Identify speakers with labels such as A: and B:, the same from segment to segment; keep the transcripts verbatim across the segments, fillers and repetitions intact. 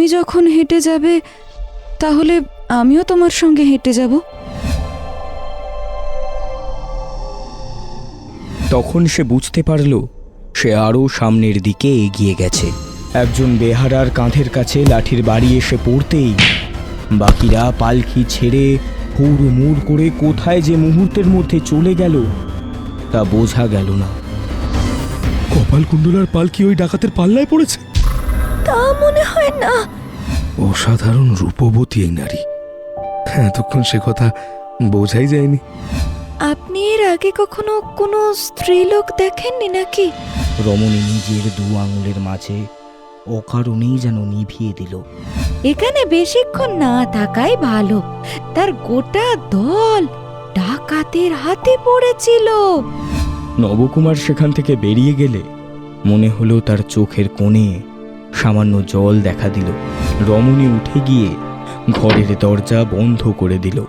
A: যখন হেঁটে যাবে তাহলে আমিও তোমার সঙ্গে হেঁটে যাব।
B: তখন সে বুঝতে পারল সে আরও সামনের দিকে এগিয়ে গেছে। একজন বেহারার কাঁধের কাছে লাঠির বাড়ি এসে পড়তেই বাকিরা পালকি ছেড়ে হুড়মুড় করে কোথায় যে মুহূর্তের মধ্যে চলে গেল তা বোঝা গেল না।
C: কপালকুণ্ডলার পালকি ওই ডাকাতের পাল্লায় পড়েছে?
A: তা মনে হয় না।
C: অসাধারণ রূপবতী এই নারী, এতক্ষণ সে কথা বোঝাই যায়নি।
A: আপনি এর আগে কখনো কোনো স্ত্রীলোক দেখেননি নাকি?
B: রমণী নিজের দু আঙুলের মাঝে অকারণেই যেন নিভিয়ে দিল।
A: এখানে বেশিক্ষণ না থাকাই ভালো। তার গোটা দল ডাকাতের হাতে পড়েছিল।
B: নবকুমার সেখান থেকে বেরিয়ে গেলে মনে হলো তার চোখের কোণে সামান্য জল দেখা দিল। রমণী উঠে গিয়ে ঘরের দরজা বন্ধ করে দিল।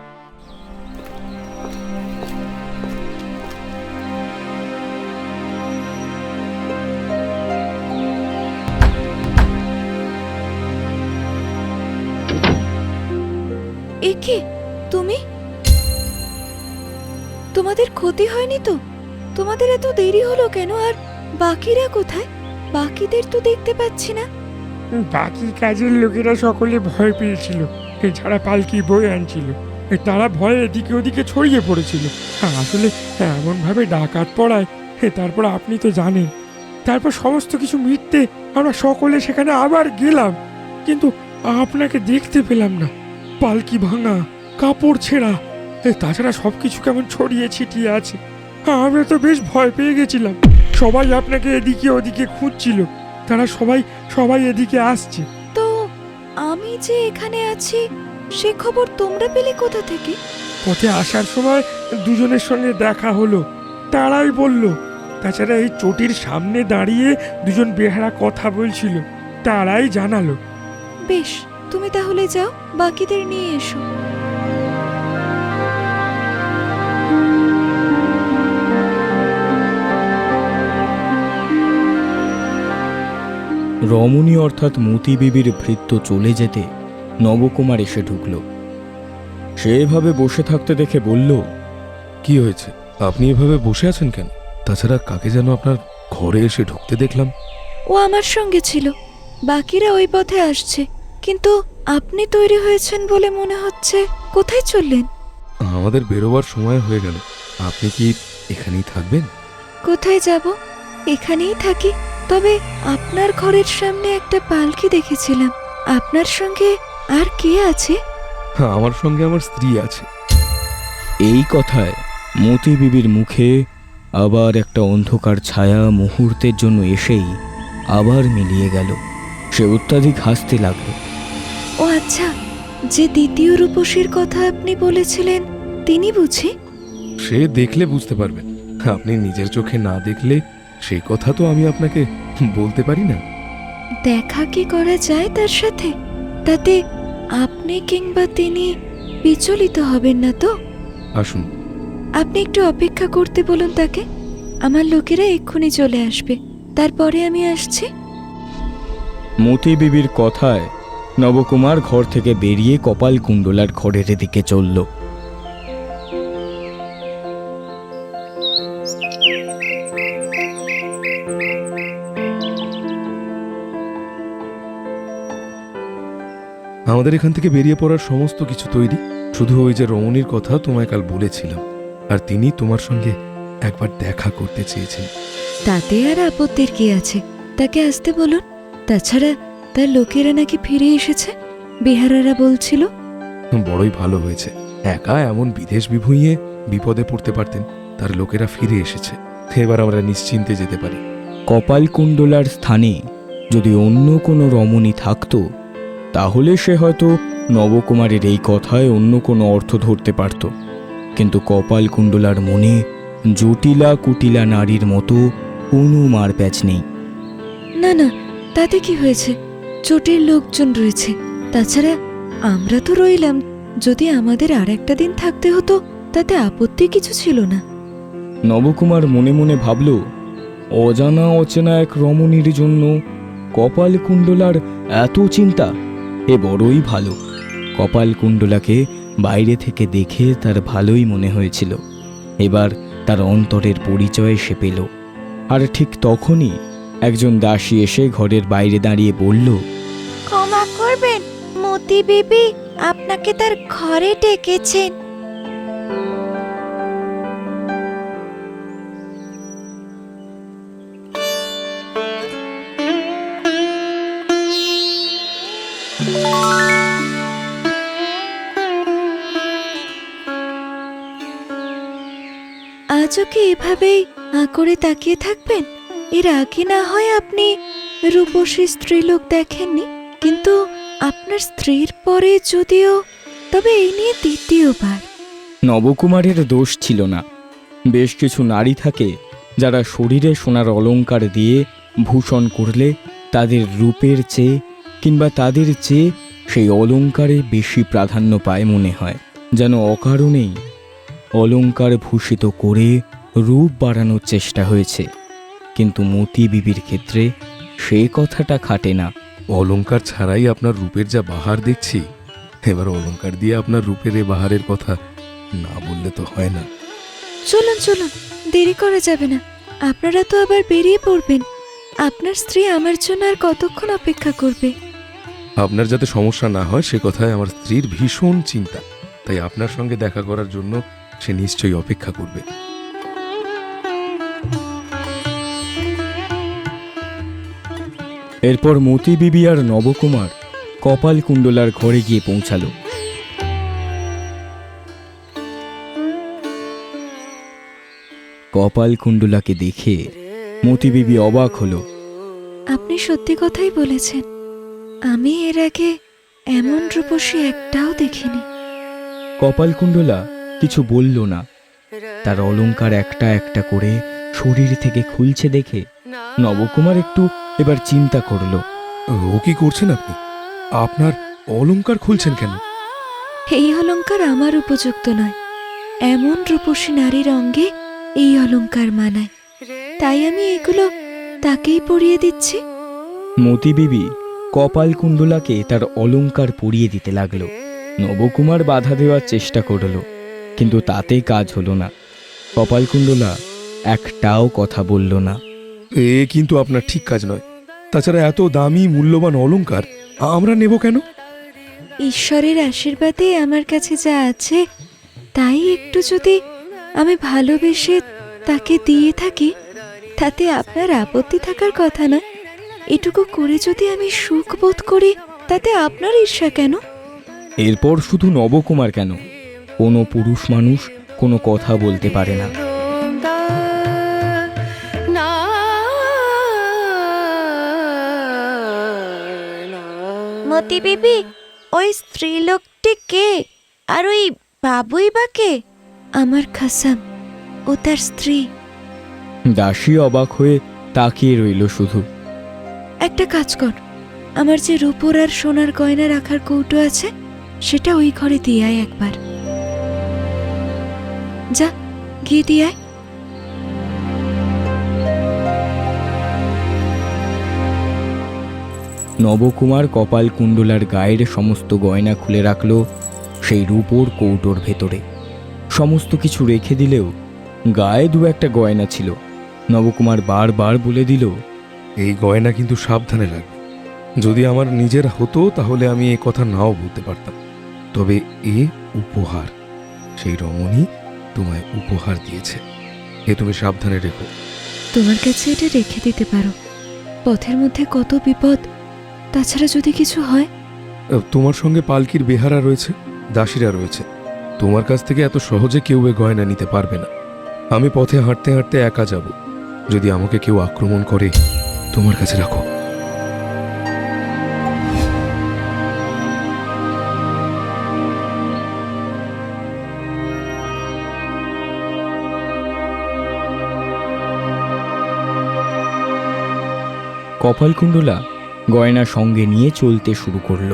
A: একে তুমি? তোমাদের ক্ষতি হয়নি তো? তোমাদের এত দেরি হলো কেন? আর বাকিরা কোথায়? বাকিদের তো দেখতে পাচ্ছি না।
D: বাকি কাজের লোকেরা সকলে ভয় পেয়েছিল, এছাড়া পালকি বই আনছিল, তারা ভয়ে এদিকে ওদিকে ছড়িয়ে পড়েছিল। আসলে এমনভাবে ডাকাত পড়ায়, তারপর আপনি তো জানেন, তারপর সমস্ত কিছু মিটতে আমরা সকলে সেখানে আবার গেলাম, কিন্তু আপনাকে দেখতে পেলাম না। পালকি ভাঙা, কাপড় ছেঁড়া, তাছাড়া সবকিছু কেমন ছড়িয়ে ছিটিয়ে আছে। আমরা তো বেশ ভয় পেয়ে গেছিলাম। সবাই আপনাকে এদিকে ওদিকে খুঁজছিল, তারা সবাই সবাই এদিকে আসছে।
A: তো আমি যে এখানে আছি সে খবর তোমরা পেলে কোথা থেকে?
D: পথে আসার সময় দুজনের সঙ্গে দেখা হলো, তারাই বলল। তাছাড়া এই চটির সামনে দাঁড়িয়ে দুজন বেহারা কথা বলছিল, তারাই জানালো।
A: বেশ, তুমি তাহলে যাও, বাকিদের নিয়ে এসো।
B: রমণী অর্থাৎ মতি বিবির ভৃত্য চলে যেতে নবকুমার এসে ঢুকল। সে এভাবে বসে থাকতে দেখে বলল,
C: কি হয়েছে? আপনি এভাবে বসে আছেন কেন? তাছাড়া কাকে যেন আপনার ঘরে এসে ঢুকতে দেখলাম।
A: ও আমার সঙ্গে ছিল, বাকিরা ওই পথে আসছে, কিন্তু আপনি তৈরি হয়েছেন বলে মনে হচ্ছে। কোথায় চললেন?
C: আমাদের বেরোবার সময় হয়ে গেল, আপনি কি এখানেই থাকবেন?
A: কোথায় যাব? এখানেই থাকি। তবে আপনার ঘরের সামনে একটা পালকি দেখেছিলাম। আপনার সঙ্গে আর কে আছে?
C: আমার সঙ্গে আমার স্ত্রী আছে।
B: এই কথায় মতি বিবির মুখে আবার একটা অন্ধকার ছায়া মুহূর্তের জন্য এসেই আবার মিলিয়ে গেল। সে অত্যাধিক হাসতে লাগল।
A: ও আচ্ছা, যে দ্বিতীয় রূপসীর কথা আপনি বলেছিলেন তিনি বুঝি?
C: সে দেখলে বুঝতে পারবেন, আপনি নিজের চোখে না দেখলে সেই কথা তো আমি আপনাকে বলতে পারি না।
A: দেখা কি করা যায় তার সাথে? তাতে আপনি কিংবা তিনি বিচলিত হবেন না তো?
C: আসুন।
A: আপনি একটু অপেক্ষা করতে বলুন তাকে। আমার লোকেরা এক্ষুনি চলে আসবে, তারপরে আমি আসছি।
B: মতি বিবির কথায় নবকুমার ঘর থেকে বেরিয়ে কপালকুণ্ডলার ঘরের দিকে চলল।
C: আমাদের এখান থেকে বেরিয়ে পড়ার সমস্ত কিছু তৈরি, শুধু ওই যে রমণীর কথা তোমায় কাল বলেছিলাম, আর তিনি তোমার সঙ্গে একবার দেখা করতে চেয়েছেন।
A: তাতে আর আপত্তির কি আছে? তাকে আসতে বলুন। তাছাড়া তার লোকেরা নাকি ফিরে এসেছে, বেহারারা বলছিল।
C: বড়ই ভালো হয়েছে, একা এমন বিদেশ বিভুঁইয়ে বিপদে পড়তে পারতেন, তার লোকেরা ফিরে এসেছে। এবার আমরা নিশ্চিন্তে যেতে পারি।
B: কপালকুণ্ডলার স্থানে যদি অন্য কোনো রমণী থাকতো তাহলে সে হয়তো নবকুমারের এই কথায় অন্য কোনো অর্থ ধরতে পারত, কিন্তু কপালকুণ্ডলার মনে জটিলা কুটিলা নারীর মতো কোনো মারপ্যাচ নেই।
A: না না, তাতে কি হয়েছে? চোটের লোকজন রয়েছে, তাছাড়া আমরা তো রইলাম। যদি আমাদের আর একটা দিন থাকতে হতো তাতে আপত্তি কিছু ছিল না।
B: নবকুমার মনে মনে ভাবল, অজানা অচেনা এক রমণীর জন্য কপালকুণ্ডলার এত চিন্তা, এ বড়ই ভালো। কপালকুণ্ডলাকে বাইরে থেকে দেখে তার ভালোই মনে হয়েছিল। এবার তার অন্তরের পরিচয় সে পেল। আর ঠিক তখনই একজন দাসী এসে ঘরের বাইরে দাঁড়িয়ে বলল,
A: ক্ষমা করবেন, মতি বিবি আপনাকে তার ঘরে ডেকেছেন। আজও কি এভাবেই আ করে তাকিয়ে থাকবেন? এর আগে না হয় আপনি রূপসী স্ত্রীলোক দেখেননি, কিন্তু আপনার স্ত্রীর পরে যদিও, তবে এই নিয়ে দ্বিতীয়বার।
B: নবকুমারের দোষ ছিল না। বেশ কিছু নারী থাকে যারা শরীরে সোনার অলংকার দিয়ে ভূষণ করলে তাদের রূপের চেয়ে কিংবা তাদের চেয়ে সেই অলংকারে বেশি প্রাধান্য পায় মনে হয়, যেন অকারণেই অলংকার ভূষিত করে রূপ বাড়ানোর চেষ্টা হয়েছে। কিন্তু মতি বিবির ক্ষেত্রে সে কথাটা খাটে না।
C: অলংকার ছাড়াই আপনার রূপের যা বাহার দেখছি, এবার অলংকার দিয়ে আপনার রূপের এ বাহারের কথা না বললে তো হয় না।
A: চলুন চলুন, দেরি করা যাবে না। আপনারা তো আবার বেরিয়ে পড়বেন। আপনার স্ত্রী আমার জন্য আর কতক্ষণ অপেক্ষা করবে?
C: আপনার যাতে সমস্যা না হয় সে কথায় আমার স্ত্রীর ভীষণ চিন্তা, তাই আপনার সঙ্গে দেখা করার জন্য সে নিশ্চয়ই অপেক্ষা করবে।
B: এরপর মতি বিবি আর নবকুমার কপালকুণ্ডলার ঘরে গিয়ে পৌঁছালো। কপালকুণ্ডলাকে দেখে মতি বিবি অবাক হলো।
A: আপনি সত্যি কথাই বলেছেন, আমি এর আগে এমন রূপসী একটাও দেখিনি।
B: কপালকুণ্ডলা কিছু বলল না। তার অলংকার একটা একটা করে শরীর থেকে খুলছে দেখে নবকুমার একটু এবার চিন্তা করল।
C: ও কি করছেন আপনি? আপনার অলংকার খুলছেন কেন?
A: এই অলংকার আমার উপযুক্ত নয়। এমন রূপসী নারীর অঙ্গে এই অলংকার মানায়, তাই আমি এগুলো তাকেই পরিয়ে দিচ্ছি।
B: মতি বিবি কপালকুণ্ডলাকে তার অলংকার পরিয়ে দিতে লাগলো। নবকুমার বাধা দেওয়ার চেষ্টা করল, কিন্তু তাতে কাজ হলো না। কপালকুণ্ডলা একটাও কথা বলল না।
C: এ কিন্তু আপনার ঠিক কাজ নয়। তাছাড়া এত দামি মূল্যবান অলংকার আমরা নেব কেন?
A: ঈশ্বরের আশীর্বাদে আমার কাছে যা আছে তাই একটু যদি আমি ভালোবেসে তাকে দিয়ে থাকি, তাতে আপনার আপত্তি থাকার কথা না। এটুকু করে যদি আমি সুখ বোধ করি, তাতে আপনার ঈর্ষা কেন?
B: এরপর শুধু নবকুমার কেন, কোনো পুরুষ মানুষ কোনো কথা বলতে পারে না।
A: মতি বিবি, ওই স্ত্রীলোকটি কে? আর ওই বাবুই বা কে? আমার খাসাম, ও তার স্ত্রী।
B: দাসী অবাক হয়ে তাকিয়ে রইল শুধু।
A: একটা কাজ কর, আমার যে রূপোর আর সোনার গয়না রাখার কৌটো আছে সেটা ওই ঘরে দিয়ে আয় একবার। যা, গিয়ে দিয়ে আয়।
B: নবকুমার কপালকুণ্ডলার গায়ের সমস্ত গয়না খুলে রাখল সেই রূপোর কৌটোর ভেতরে। সমস্ত কিছু রেখে দিলেও গায়ে দু একটা গয়না ছিল। নবকুমার বারবার বলে দিল,
C: এই গয়না কিন্তু সাবধানে রাখবে। যদি আমার নিজের হতো তাহলে আমি এ কথা নাও বলতে পারতাম, তবে এ উপহার। সেই রমণী তোমায় উপহার দিয়েছে, এ তুমি সাবধানে রেখো।
A: তোমার কাছে এটা রেখে দিতে পারো। পথের মধ্যে কত বিপদ, তাছাড়া যদি কিছু হয়।
C: তোমার সঙ্গে পালকির বেহারা রয়েছে, দাসীরা রয়েছে। তোমার কাছ থেকে এত সহজে কেউ এ গয়না নিতে পারবে না। আমি পথে হাঁটতে হাঁটতে একা যাব। যদি আমাকে কেউ আক্রমণ করে, তোমার কাছে রাখো।
B: কপালকুণ্ডলা গয়না সঙ্গে নিয়ে চলতে শুরু করলো।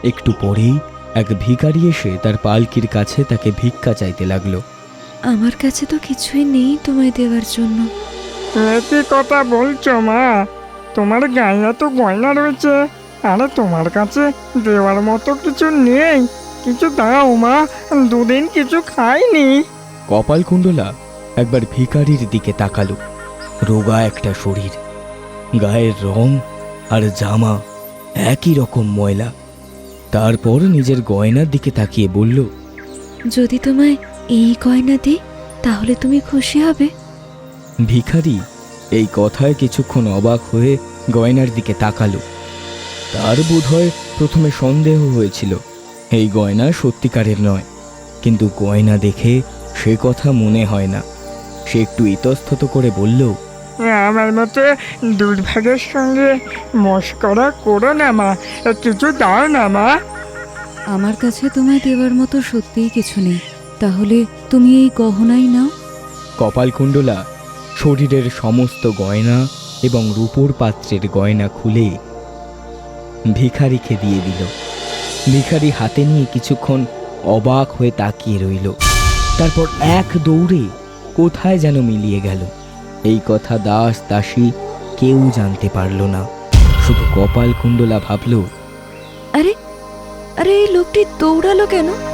B: একটু পরেই এক ভিখারি এসে তার পালকির কাছে তাকে ভিক্ষা চাইতে লাগলো।
A: আমার কাছে তো কিছুই নেই তোমায় দেওয়ার জন্য।
D: কি কথা বলছো মা? তোমার গায়ে তো গয়না রয়েছে, আরে তোমার কাছে দেওয়ার মতো কিছু নেই? কিছু দাও মা, দুদিন কিছু খাইনি।
B: কপালকুণ্ডলা একবার ভিখারির দিকে তাকালো। রোগা একটা শরীর, গায়ের রং আর জামা একই রকম ময়লা। তারপর নিজের গয়নার দিকে তাকিয়ে বলল,
A: যদি তোমায় এই গয়না দিই তাহলে তুমি খুশি হবে?
B: ভিখারি এই কথায় কিছুক্ষণ অবাক হয়ে গয়নার দিকে তাকালো। তার বোধহয় প্রথমে সন্দেহ হয়েছিল এই গয়না সত্যিকারের নয়, কিন্তু গয়না দেখে সে কথা মনে হয় না। সে একটু ইতস্তত করে বলল,
D: আমার মতো দুর্ভাগ্যের সঙ্গে মস্করা করো না মা, কিছু দাও না মা।
A: আমার কাছে তোমায় দেওয়ার মতো সত্যিই কিছু নেই, তাহলে তুমি এই গহনাই নাও।
B: কপালকুণ্ডলা শরীরের সমস্ত গয়না এবং রূপোর পাত্রের গয়না খুলে ভিখারিকে দিয়ে দিল। ভিখারি হাতে নিয়ে কিছুক্ষণ অবাক হয়ে তাকিয়ে রইল। তারপর এক দৌড়ে কোথায় যেন মিলিয়ে গেল। এই কথা দাস দাসী কেউ জানতে পারল না, শুধু কপালকুণ্ডলা ভাবল,
A: আরে আরে এই লোকটি দৌড়ালো কেন?